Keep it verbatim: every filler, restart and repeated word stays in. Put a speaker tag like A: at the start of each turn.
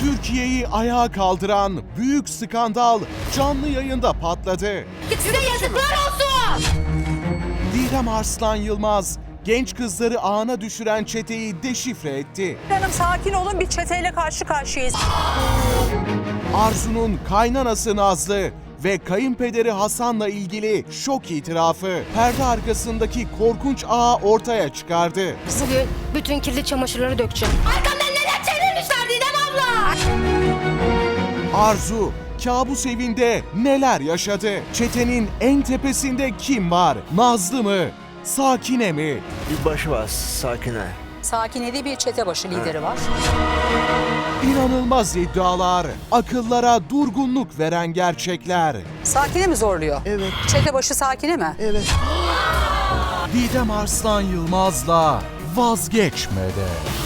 A: Türkiye'yi ayağa kaldıran büyük skandal canlı yayında patladı.
B: Size yazıklar olsun!
A: Didem Arslan Yılmaz genç kızları ağına düşüren çeteyi deşifre etti.
C: Hanım sakin olun, bir çeteyle karşı karşıyayız.
A: Arzu'nun kaynanası Nazlı ve kayınpederi Hasan'la ilgili şok itirafı perde arkasındaki korkunç ağı ortaya çıkardı.
B: Bugün bütün kirli çamaşırları dökeceğim. Arkamdan neler çevirmişler Didem abla!
A: Arzu kabus evinde neler yaşadı? Çetenin en tepesinde kim var? Nazlı mı? Sakine mi?
D: Bir başı var, Sakine.
C: Sakine diye bir çete başı lideri var.
A: İnanılmaz iddialar, akıllara durgunluk veren gerçekler.
C: Sakine mi zorluyor?
D: Evet.
C: Çete başı Sakine mi?
D: Evet.
A: Didem Arslan Yılmaz'la vazgeçmedi.